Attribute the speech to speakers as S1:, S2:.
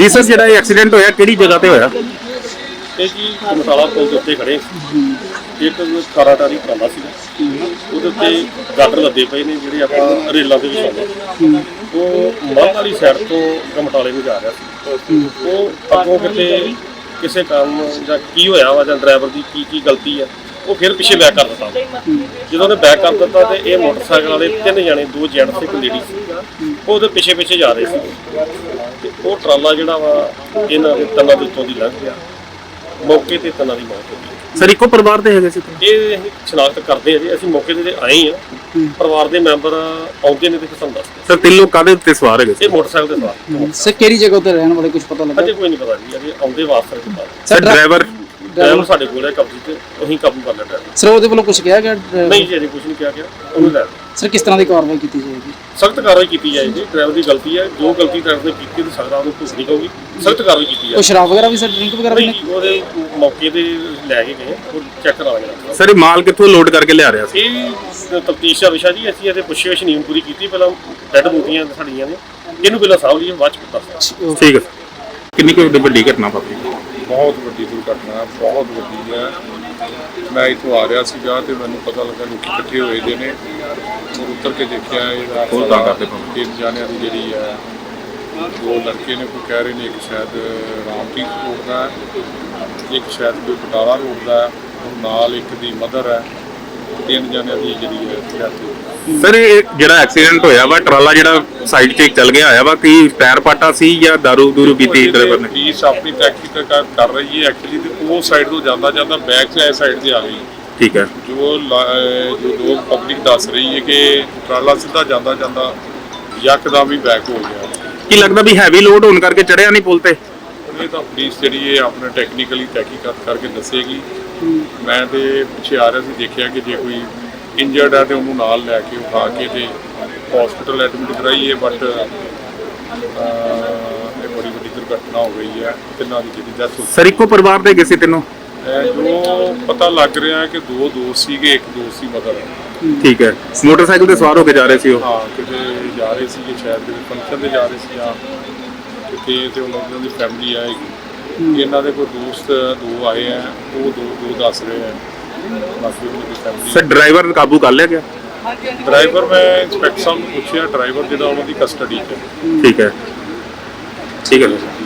S1: ਜੀ ਸਰ, ਜਿਹੜਾ ਇਹ ਐਕਸੀਡੈਂਟ ਹੋਇਆ ਕਿਹੜੀ ਜਗ੍ਹਾ ਤੇ ਹੋਇਆ?
S2: ਇਹ ਜੀ ਮਸਾਲਾ ਪੁਲ ਦੇ ਉੱਤੇ ਖੜੇ ਇੱਕ ਕਾਰਾਟਾਰੀ ਕਾਲਾ ਸੀਗਾ, ਉਹਦੇ ਉੱਤੇ ਗਾਡਰ ਲੱਦੇ ਪਏ ਨੇ ਜਿਹੜੇ ਆਪਾਂ ਰੇਲਾਂ ਦੇ ਵਿੱਚ ਆਉਂਦੇ। ਉਹ ਮੱਧ ਵਾਲੀ ਸਾਈਡ ਤੋਂ ਗਮਟਾਲੇ ਨੂੰ ਜਾ ਰਿਹਾ ਸੀ। ਉਹ ਅੱਗੋਂ ਕਿਤੇ ਕਿਸੇ ਕਾਰਨ ਜਾਂ ਕੀ ਹੋਇਆ ਵਾ ਜਾਂ ਡਰਾਈਵਰ ਦੀ ਕੀ ਗਲਤੀ ਆ, ਉਹ ਫਿਰ ਪਿੱਛੇ ਬੈਕ ਕਰ ਦਿੱਤਾ। ਜਦੋਂ ਉਹਨੇ ਬੈਕ ਕਰ ਦਿੱਤਾ ਤੇ ਇਹ ਮੋਟਰਸਾਈਕਲ ਵਾਲੇ 3 ਜਣੇ, 2 ਜੈਂਟਸ ਤੇ ਇੱਕ ਲੇਡੀ ਸੀ, ਉਹ ਉਹਦੇ ਪਿੱਛੇ ਜਾ ਰਹੇ ਸੀ ਤੇ ਉਹ ਟਰਾਲਾ ਜਿਹੜਾ ਵਾ ਇਹਨਾਂ ਦੇ ਤਨਾਂ ਦੇ ਉੱਤੋਂ ਦੀ ਲੰਘ ਗਿਆ। ਮੌਕੇ ਤੇ ਤਨਾਂ ਦੀ ਮੌਤ ਹੋ ਗਈ।
S1: ਸਰ ਇੱਕੋ ਪਰਿਵਾਰ ਦੇ ਹੈਗੇ ਸੀ?
S2: ਇਹ ਅਸੀਂ ਸ਼ਨਾਖਤ ਕਰਦੇ ਆ ਜੀ, ਅਸੀਂ ਮੌਕੇ ਤੇ ਆਏ ਆ, ਪਰਿਵਾਰ ਦੇ ਮੈਂਬਰ ਆਉਂਦੇ ਨੇ ਤੇ ਸਾਨੂੰ ਦੱਸਦੇ।
S1: ਸਰ 3 ਲੋਕ ਕਾਹਦੇ ਉੱਤੇ ਸਵਾਰ ਹੈਗੇ ਸੀ?
S2: ਇਹ ਮੋਟਰਸਾਈਕਲ ਤੇ ਸਵਾਰ।
S3: ਸਰ ਕਿਹੜੀ ਜਗ੍ਹਾ ਤੇ ਰਹਿਣ ਵਾਲੇ ਕੁਝ ਪਤਾ ਲੱਗਾ?
S2: ਅਜੇ ਕੋਈ ਨਹੀਂ ਪਤਾ ਜੀ, ਅਜੇ ਆਉਂਦੇ ਵਾਸਤੇ ਪਤਾ।
S1: ਸਰ ਡਰਾਈਵਰ
S2: ਸਾਡੇ ਕੋਲ ਹੈ ਕਬਜ਼ੇ ਤੇ, ਉਹੀ ਕਾਬੂ ਕਰ ਲਿਆ ਡਰਾਈਵਰ।
S3: ਸਰ ਉਹਦੇ ਵੱਲੋਂ ਕੁਝ ਕਿਹਾ ਗਿਆ?
S2: ਨਹੀਂ ਜੀ, ਅਜੇ ਕੁਝ ਨਹੀਂ ਕਿਹਾ ਗਿਆ, ਉਹਨੂੰ ਲੈ
S3: ਸਰ ਕਿਸ ਤਰ੍ਹਾਂ ਦੀ ਕਾਰਵਾਈ ਕੀਤੀ ਜਾਏਗੀ?
S2: ਸਖਤ ਕਾਰਵਾਈ ਕੀਤੀ ਜਾਏਗੀ। ਡਰਾਈਵਰ ਦੀ ਗਲਤੀ ਹੈ, ਜੋ ਗਲਤੀ ਡਰਾਈਵਰ ਨੇ ਕੀਤੀ ਤੇ ਸਕਦਾ ਉਹਨੂੰ ਭੁਗਤਣੀ ਪਊਗੀ। ਸਖਤ ਕਾਰਵਾਈ ਕੀਤੀ ਜਾਏਗੀ।
S3: ਉਹ ਸ਼ਰਾਬ ਵਗੈਰਾ ਵੀ ਸਰ, ਡਰਿੰਕ ਵਗੈਰਾ ਵੀ?
S2: ਨਹੀਂ, ਉਹਦੇ ਮੌਕੇ ਤੇ ਲੈ ਕੇ ਗਏ, ਉਹ ਚੈੱਕ ਕਰਾ ਲਾਂਗੇ।
S1: ਸਰ ਇਹ ਮਾਲ ਕਿੱਥੋਂ ਲੋਡ ਕਰਕੇ ਲਿਆ ਰਿਹਾ ਸੀ?
S2: ਇਹ ਤਫਤੀਸ਼ ਦਾ ਵਿਸ਼ਾ ਜੀ। ਅਸੀਂ ਇਹਦੇ ਪੁੱਛਗਿੱਛ ਨਹੀਂ ਪੂਰੀ ਕੀਤੀ, ਪਹਿਲਾਂ ਡੈਡ ਬੋਡੀਆਂ ਸਾਡੀਆਂ ਨੇ, ਇਹਨੂੰ ਪਹਿਲਾਂ ਸਾਂਭ ਲਈਏ, ਬਾਅਦ ਚ ਪਤਾ।
S1: ਠੀਕ ਹੈ। ਕਿੰਨੀ ਕੁ ਵੱਡੀ ਘਟਨਾ ਵਾਪਰੀ?
S4: ਬਹੁਤ ਵੱਡੀ ਦੁਰਘਟਨਾ, ਬਹੁਤ ਵੱਡੀ ਹੈ। ਮੈਂ ਇੱਥੋਂ ਆ ਰਿਹਾ ਸੀਗਾ ਤੇ ਮੈਨੂੰ ਪਤਾ ਲੱਗਾ ਲੋਕ ਇਕੱਠੇ ਹੋਏ ਦੇ ਨੇ। ਉੱਤਰ ਕੇ ਦੇਖਿਆ ਇਹਦਾ 3 ਜਾਣਿਆਂ ਦੀ ਜਿਹੜੀ ਹੈ, 2 ਲੜਕੇ ਨੇ, ਕੋਈ ਕਹਿ ਰਹੇ ਨੇ ਇੱਕ ਸ਼ਾਇਦ ਰਾਮਪੀਰ ਰੋਡ ਦਾ, ਇੱਕ ਸ਼ਾਇਦ ਕੋਈ ਬਟਾਲਾ ਰੋਡ ਦਾ, ਨਾਲ ਇੱਕ ਦੀ ਮਦਰ ਹੈ। 3 ਜਾਣਿਆਂ ਦੀ ਜਿਹੜੀ ਹੈ ਡੈਥ ਹੋ ਗਈ।
S1: ਸਰ ਇਹ ਜਿਹੜਾ ਐਕਸੀਡੈਂਟ ਹੋਇਆ ਵਾ, ਟਰਾਲਾ ਜਿਹੜਾ ਸਾਈਡ 'ਤੇ ਚੱਲ ਗਿਆ ਹੋਇਆ ਵਾ, ਕੀ ਟਾਇਰ ਪਾਟਾ ਸੀ ਜਾਂ ਦਾਰੂ ਪੀਤੀ ਡਰਾਈਵਰ ਨੇ?
S4: ਪੁਲਿਸ ਆਪਣੀ ਤਹਿਕੀਕਾਤ ਕਰ ਰਹੀ ਹੈ ਐਕਚੁਅਲੀ, ਤੇ ਉਹ ਸਾਈਡ ਤੋਂ ਜਾਂਦਾ ਬੈਕ ਤੇ ਇਸ ਸਾਈਡ ਤੇ ਆ ਗਈ।
S1: ਠੀਕ ਹੈ।
S4: ਜੋ ਲੋਕ ਪਬਲਿਕ ਦੱਸ ਰਹੀ ਹੈ ਕਿ ਟਰਾਲਾ ਸਿੱਧਾ ਜਾਂਦਾ ਯਕਦਮ ਹੀ ਬੈਕ ਹੋ ਗਿਆ।
S1: ਕੀ ਲੱਗਦਾ ਵੀ ਹੈਵੀ ਲੋਡ ਹੋਣ ਕਰਕੇ ਚੜਿਆ ਨਹੀਂ ਪੁਲ ਤੇ?
S4: ਇਹ ਤਾਂ ਪੁਲਿਸ ਜਿਹੜੀ ਹੈ ਆਪਣੇ ਟੈਕਨੀਕਲੀ ਤਹਿਕੀਕਾਤ ਕਰਕੇ ਦੱਸੇਗੀ। ਮੈਂ ਤੇ ਪਿੱਛੇ ਆ ਰਿਹਾ ਸੀ, ਦੇਖਿਆ ਕਿ ਜੇ ਕੋਈ ਇੰਜਰਡ ਹੈ ਤੇ ਉਹਨੂੰ ਨਾਲ ਲੈ ਕੇ ਉਠਾ ਕੇ ਤੇ ਹਸਪੀਟਲ ਐਡਮਿਟ ਕਰਾਈਏ, ਬਟ ਇਹ ਬੜੀ ਵੱਡੀ ਦੁਰਘਟਨਾ ਹੋ ਗਈ ਹੈ। ਤਿੰਨਾਂ ਦੀ ਜਿਹੜੀ ਡੈਥ ਹੋ ਗਈ।
S1: ਸਰ ਇੱਕੋ ਪਰਿਵਾਰ ਦੇ ਗਏ ਸੀ ਤਿੰਨੋਂ?
S4: ਜੋ ਪਤਾ ਲੱਗ ਰਿਹਾ ਹੈ ਕਿ 2 ਦੋਸਤ ਸੀਗੇ, ਇੱਕ ਦੋਸਤ ਸੀ ਮਦਰ ਹੈ।
S1: ਠੀਕ ਹੈ। ਮੋਟਰਸਾਈਕਲ ਤੇ ਸਵਾਰ ਹੋ ਕੇ ਜਾ ਰਹੇ ਸੀ ਉਹ?
S4: ਹਾਂ, ਕਿਤੇ ਜਾ ਰਹੇ ਸੀਗੇ, ਸ਼ਾਇਦ ਕਿਸੇ ਫੰਕਸ਼ਨ ਤੇ ਜਾ ਰਹੇ ਸੀ ਜਾਂ ਕਿਤੇ, ਤੇ ਉਹਨਾਂ ਦੀ ਫੈਮਿਲੀ ਆਏਗੀ। ਇਹਨਾਂ ਦੇ ਕੋਈ ਦੋਸਤ 2 ਆਏ ਆ, ਉਹ ਦੋ ਦੱਸ ਰਹੇ ਆ, ਬਾਕੀ ਉਹਨਾਂ ਦੀ ਫੈਮਿਲੀ।
S1: ਸਰ ਡਰਾਈਵਰ ਕਾਬੂ ਕਰ ਲਿਆ ਗਿਆ?
S4: ਡਰਾਈਵਰ ਮੈਂ ਇੰਸਪੈਕਟਰ ਸਾਹਿਬ ਨੂੰ ਪੁੱਛਿਆ, ਡਰਾਈਵਰ ਜਿਹੜਾ ਉਹਨਾਂ ਦੀ ਕਸਟਡੀ 'ਚ ਹੈ।
S1: ਠੀਕ ਹੈ। ਠੀਕ ਹੈ।